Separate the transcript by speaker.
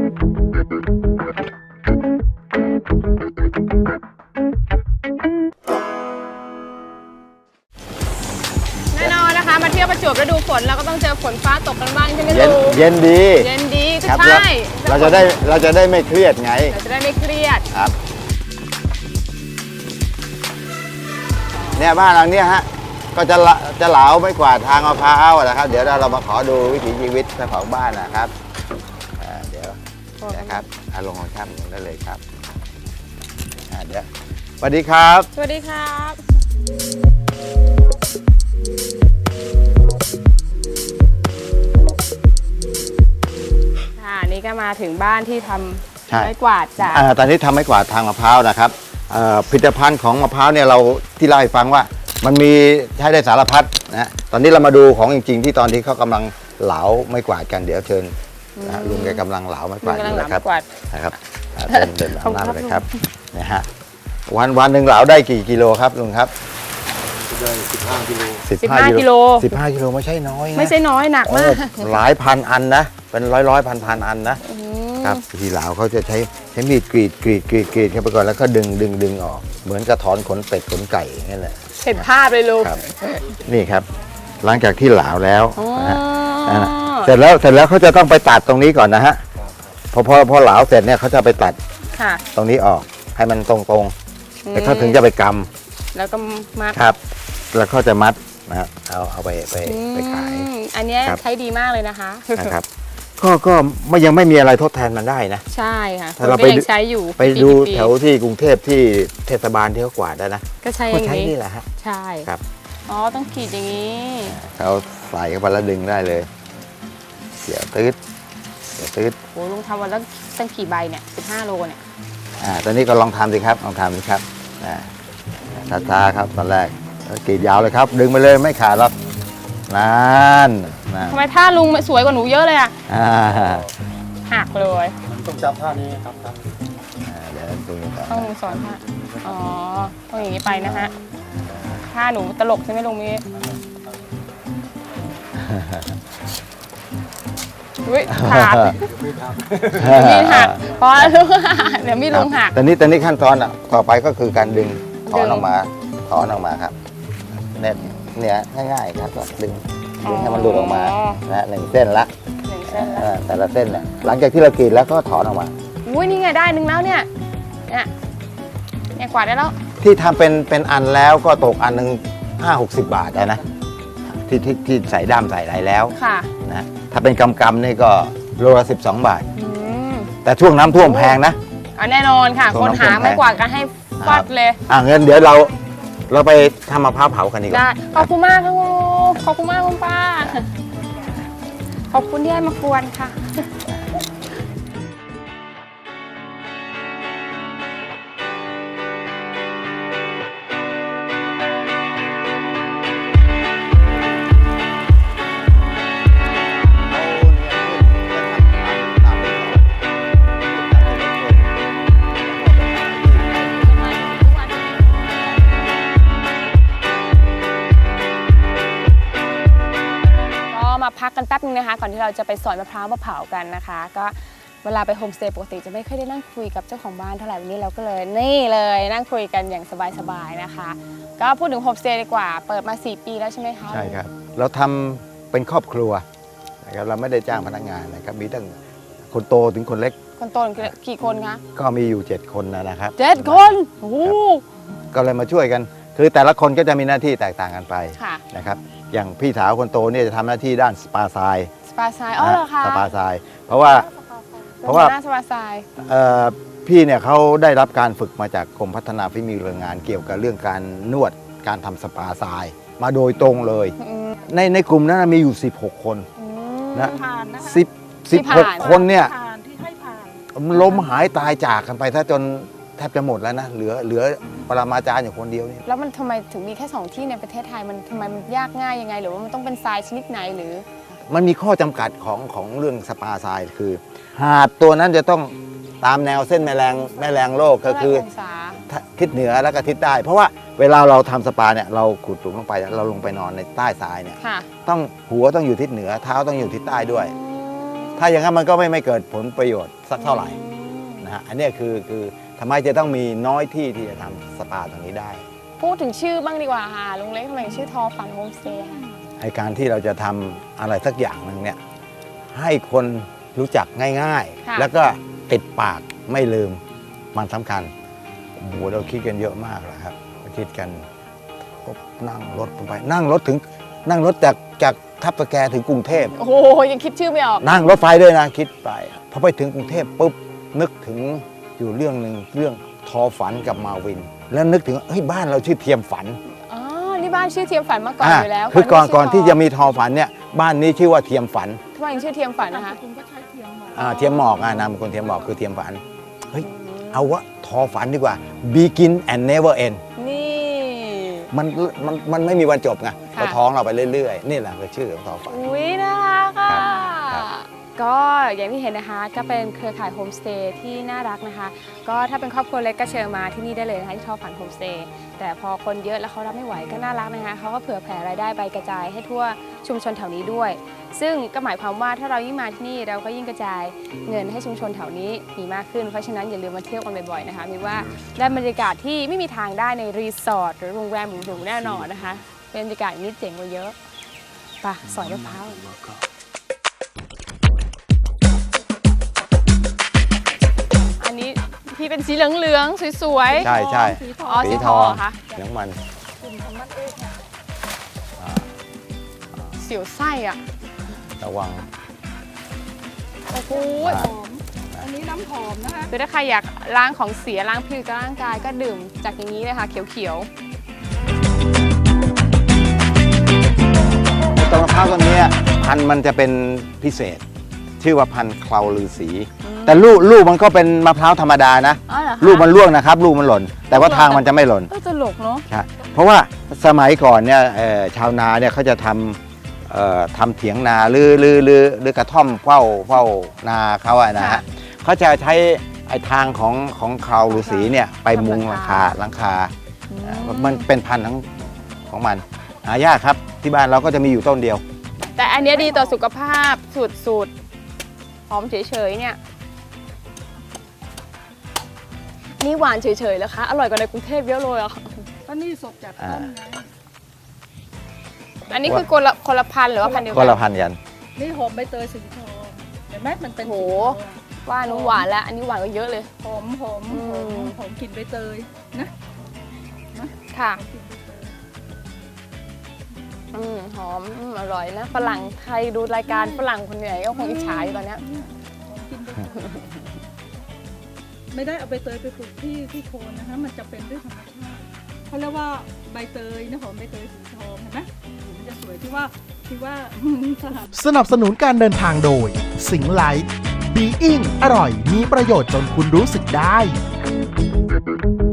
Speaker 1: แน่นอนนะคะมาเที่ยวประจวบฤดูฝนเราก็ต้องเจอฝนฟ้าตกกันบ้างใช่ไหม
Speaker 2: เย็น
Speaker 1: ลูก
Speaker 2: เย็นดี
Speaker 1: เย็นดีก็
Speaker 2: ครับ
Speaker 1: ใช่
Speaker 2: เราจะได้ไม่เครียดไง
Speaker 1: เราจะได้ไม่เครียด
Speaker 2: ครับเนี่ยบ้านหลังเนี้ยฮะก็จะเหลาไม่กว่าทางมะพร้าวนะครับเดี๋ยวเรามาขอดูวิถีชีวิตเจ้าของบ้านนะครับเดี๋ยวนะครับลงของช่างลงได้เลยครับเดี๋ยวสวัสดีครับ
Speaker 1: สวัสดีครับนี่ก็มาถึงบ้านที่ทำไม้กวาดจาก
Speaker 2: ตอนนี้ทำไม้กวาดทางมะพร้าวนะครับผลิตภัณฑ์ของมะพร้าวเนี่ยเราที่เล่าให้ฟังว่ามันมีใช้ได้สารพัดนะตอนนี้เรามาดูของจริงๆที่ตอนที่เขากำลังเหลาไม้กวาดกันเดี๋ยวเชิญลุงแกกำลังเหลาไม้กวาดอยู่นะครับเดินหน้าไปเลยครับนะฮะวันหนึ่งเหลาได้กี่กิโลครับลุงครับ
Speaker 3: ได้15 กิโล
Speaker 1: 15 กิโล
Speaker 2: 15 กิโลไม่ใช่น้อยนะ
Speaker 1: ไม่ใช่น้อยหนักมาก
Speaker 2: หลายพันอันนะเป็นร้อยพันอันนะครับที่เหลาเขาจะใช้มีดกรีดเข้าไปก่อนแล้วก็ดึงออกเหมือนกระถอนขนเป็ดขนไก่นั่นแหละ
Speaker 1: เห็นภาพเลยลูก
Speaker 2: นี่ครับหลังจากที่เหลาแล้วเสร็จแล้วเขาจะต้องไปตัดตรงนี้ก่อนนะฮะพอเหลาเสร็จเนี่ยเขาจะไปตัดตรงนี้ออกให้มันตรงๆแล้วเขาถึงจะไปกำ
Speaker 1: แล้วก็มัด
Speaker 2: ครับแล้วเขาจะมัดนะเอาไปขาย
Speaker 1: อันนี้ใช้ดีมากเลยนะคะ
Speaker 2: นะครับก็ยังไม่มีอะไรทดแทนมันได้นะ
Speaker 1: ใช่ค่ะ
Speaker 2: ถ้าเรา
Speaker 1: ใช้อยู่
Speaker 2: ไปดูแถวที่กรุงเทพที่เทศบาลที่เขากวาดได้นะ
Speaker 1: ก็ใช้อย่างนี้
Speaker 2: นี่แหละฮะ
Speaker 1: ใช่
Speaker 2: ครับ
Speaker 1: อ๋อต้องขีดอย่างนี้
Speaker 2: เขาใส่เข้าไปแล้วดึงได้เลยเดี๋ยวตืด
Speaker 1: โอ้ลุงทำวันละตั้งกี่ใบเนี่ย15 โลเนี่ย
Speaker 2: ตอนนี้ก็ลองทำสิครับช้าๆครับตอนแรกกรีดยาวเลยครับดึงไปเลยไม่ขาดหรอกนั่น
Speaker 1: ทำไมท่าลุงสวยกว่าหนูเยอะเลยอ่ะหักเลย
Speaker 3: ต้องจำท่านี้ครับ
Speaker 2: เดี๋ยว
Speaker 1: ต้องสอนท่าอ๋อต้องอย่างนี้ไปนะฮะท่าหนูตลกใช่ไหมลุงมีขาดมีหักเพราะเดี๋ยวมีลุงหัก
Speaker 2: ตอนนี้ขั้นตอนต่อไปก็คือการดึงถอนออกมาครับเนี่ยง่ายๆครับก็ดึงให้มันหลุดออกมานะ1 เส้นละแต่ละเส้นเนี่ยหลังจากที่เรากรีดแล้วก็ถอนออกมา
Speaker 1: อุ้ยนี่ไงได้1แล้วเนี่ยกวาดได้แล้ว
Speaker 2: ที่ทำเป็นอันแล้วก็ตกอันหนึ่ง50-60 บาทนะที่ใส่ด้ามใส่อะไรแล้วนะถ้าเป็นกำนี่ก็โลละ12 บาทแต่ช่วงน้ำท่วมแพงนะ
Speaker 1: แน่นอนค่ะคนหาไม่กวาดกันให้ฟัดเลย
Speaker 2: เงินเดี๋ยวเราไปทำมะพร้าวเผากันดีกว่า
Speaker 1: ขอบคุณมากครับขอบคุณมากคุณป้าขอบคุณที่ให้มากวนค่ะพักกันแป๊บนึงนะคะก่อนที่เราจะไปสอยมะพร้าวมาเผากันนะคะก็เวลาไปโฮมสเตย์ปกติจะไม่ค่อยได้นั่งคุยกับเจ้าของบ้านเท่าไหร่วันนี้เราก็เลยนี่เลยนั่งคุยกันอย่างสบายๆนะคะก็พูดถึงโฮมสเตย์ดีกว่าเปิดมา4 ปีแล้วใช่ไหมคะ
Speaker 2: ใช่ครับเราทำเป็นครอบครัวนะครับเราไม่ได้จ้างพนักงานนะครับมีตั้งคนโตถึงคนเล็ก
Speaker 1: คนโตกี่คนคะ
Speaker 2: ก็มีอยู่7 คนนะครับ
Speaker 1: 7 คนโอ้
Speaker 2: ก็เลยมาช่วยกันคือแต่ละคนก็จะมีหน้าที่แตกต่างกันไปนะครับอย่างพี่สาวคนโตเนี่ยจะทำหน้าที่ด้านสปาทราย
Speaker 1: อ๋อเหรอคะ
Speaker 2: สปาทรายเพราะว่า
Speaker 1: สปาทราย
Speaker 2: พี่เนี่ยเขาได้รับการฝึกมาจากกรมพัฒนาฝีมือแรงงานเกี่ยวกับเรื่องการนวดการทำสปาทรายมาโดยตรงเลยในกลุ่มนั้นมีอยู่16 คนนะ16 คนเนี่ยล้มหายตายจากกันไปถ้าจนแทบจะหมดแล้วนะเหลือปรมาจารย์อยู่คนเดียวนี่
Speaker 1: แล้วมันทำไมถึงมีแค่2 ที่ในประเทศไทยมันทำไมมันยากง่ายยังไงหรือว่ามันต้องเป็นทรายชนิดไหนหรือ
Speaker 2: มันมีข้อจำกัดของเรื่องสปาทรายคือหาดตัวนั้นจะต้องตามแนวเส้นแม่แรงโลกก็คือทิศเหนือแล้วก็ทิศใต้เพราะว่าเวลาเราทำสปาเนี่ยเราขุดหลุมลงไปเราลงไปนอนในใต้ทรายเนี่ยต้องหัวต้องอยู่ทิศเหนือเท้าต้องอยู่ทิศใต้ด้วยถ้าอย่างนั้นมันก็ไม่เกิดผลประโยชน์สักเท่าไหร่นะฮะอันเนี้ยคือทำไมจะต้องมีน้อยที่ที่จะทำสปาตรงนี้ได้
Speaker 1: พูดถึงชื่อบ้างดีกว่าค่ะลุงเล็กทำไมชื่อทอฝันโฮมสเตย์
Speaker 2: ไอการที่เราจะทำอะไรสักอย่างหนึ่งเนี่ยให้คนรู้จักง่ายๆ แล้วก็ติดปากไม่ลืมมันสำคัญโอ้โหเราคิดกันเยอะมากเลยครับเราคิดกันก็นั่งรถไปนั่งรถจากทับตะแกถึงกรุงเทพ
Speaker 1: โอ้โหยังคิดชื่อไม่ออก
Speaker 2: นั่งรถไฟด้วยนะคิดไปพอไปถึงกรุงเทพปุ๊บนึกถึงอยู่เรื่องหนึ่งเรื่องทอฝันกับมาวิน แล้วนึกถึงเฮ้ยบ้านเราชื่อเทียมฝัน
Speaker 1: อ๋อนี่บ้านชื่อเทียมฝันมาก่อนอยู่แล้ว
Speaker 2: คือก่อนที่จะมีทอฝันเนี่ยบ้านนี้ชื่อว่าเทียมฝัน
Speaker 1: ทำไมถึงชื่อเทียมฝันนะคะ
Speaker 4: คุณก็ใช้เทียมหมอ
Speaker 2: เทียมหมอกนามคนเทียมหมอกคือเทียมฝันเฮ้ยเอาวะทอฝันดีกว่า begin and never end
Speaker 1: นี่
Speaker 2: มันไม่มีวันจบไงเราท้องเราไปเรื่อยๆนี่แหละคือชื่อของทอฝัน
Speaker 1: อุ้ยน่ารักอ่ะ
Speaker 2: ครับ
Speaker 1: ก็อย่างที่เห็นนะคะก็เป็นเครือข่ายโฮมสเตย์ที่น่ารักนะคะ ก็ถ้าเป็นครอบครัวเล็กก็เชิญมาที่นี่ได้เลยนะคะที่ทอฝันโฮมสเตย์แต่พอคนเยอะแล้วเขารับไม่ไหวก็น่ารักนะคะเขาก็เผื่อแผ่รายได้ไปกระจายให้ทั่วชุมชนแถวนี้ด้วย ซึ่งก็หมายความว่าถ้าเรายิ่งมาที่นี่เราก็ยิ่งกระจายเงินให้ชุมชนแถวนี้มีมากขึ้นเพราะฉะนั้นอย่าลืมมาเที่ยวกันบ่อยๆนะคะมีว่าได้บรรยากาศที่ไม่มีทางได้ในรีสอร์ทหรือโรงแรมหรูๆแน่นอนนะคะเป็นบรรยากาศนี้เจ๋งกว่าเยอะไปสอยมะพร้าว อันนี้ที่เป็นสีเหลืองๆสวยๆ
Speaker 2: ใช่ใช่
Speaker 4: สีท
Speaker 1: อ๋
Speaker 4: อ
Speaker 1: อง สีทองเหรอคะ
Speaker 2: เสียงมัน
Speaker 4: กลุ่มของมันเองค่ะ
Speaker 1: เสียวไส้อ่ะ
Speaker 2: ระวัง
Speaker 1: โอ้โห
Speaker 2: อ่า
Speaker 4: หอม อันนี้น้ำหอมนะคะ
Speaker 1: คือถ้าใครอยากล้างของเสียล้างผิวกับร่างกายก็ดื่มจากอย่างนี้เลยค่ะเขียว
Speaker 2: ต้นมะพร้าวต้นนี้พันธุ์มันจะเป็นพิเศษ ชื่อว่าพันธุ์เคลาลือสี แต่ลูกมันก็เป็นมะพร้าวธรรมดานะ
Speaker 1: ๆอ๋อเหรอคะ
Speaker 2: ลูกมันร่วงนะครับ ลูกมันหล่น แต่ว่าทางมันจะไม่หล่น
Speaker 1: ตลกเนาะ
Speaker 2: ใช่เพราะว่าสมัยก่อนเนี่ยชาวนาเนี่ยเขาจะทำเถียงนาหรือกระท่อมเฝ้านาเขาอะนะฮะเขาจะใช้ไอ้ทางของเคลาลือสีเนี่ยไปมุงหลังคามันเป็นพันธุ์ของมันหายากครับที่บ้านเราก็จะมีอยู่ต้นเดียว
Speaker 1: แต่อันเนี้ยดีต่อสุขภาพสุดๆหอมเฉยๆเนี่ยนี่หวานเฉยๆแล้วคะอร่อยกว่าในกรุงเทพเยอะเลยอ่ะ
Speaker 4: ก็นี่สดจากต้นไง
Speaker 1: อันนี้คือคนละพันธุ์หรือว่าพันธุ์เดียว
Speaker 2: ก็
Speaker 1: กั
Speaker 2: ละพันกัน
Speaker 4: นี่หอมใบเตยสีทองเห็นไหมมันเป็น
Speaker 1: โห
Speaker 4: สีทองอะ
Speaker 1: ว่านุ่หวานแล้วอันนี้หวานก็เยอะเลย
Speaker 4: หอมกลิ่นใบเตยนะ
Speaker 1: ค่ะ
Speaker 4: กลิ่นใบเตย
Speaker 1: หอมอร่อยนะฝรั่งไทยดูรายการฝรั่งคนไหนก็คงอิจฉาอยู่ตอนเนี้ย
Speaker 4: หอมกลิ่นใบเตยไม่ได้เอาใบเตยไปปลูกที่โคนนะคะมันจะเป็นด้วยธรรมชาติเขาเรียกว่าใบเตยนะหอมใบเตยสีทองเห็นไหมมันจะสวยที่ว่าสถาน
Speaker 5: สนับสนุนการเดินทางโดย สิงไลท์บีอิงอร่อยมีประโยชน์จนคุณรู้สึกได้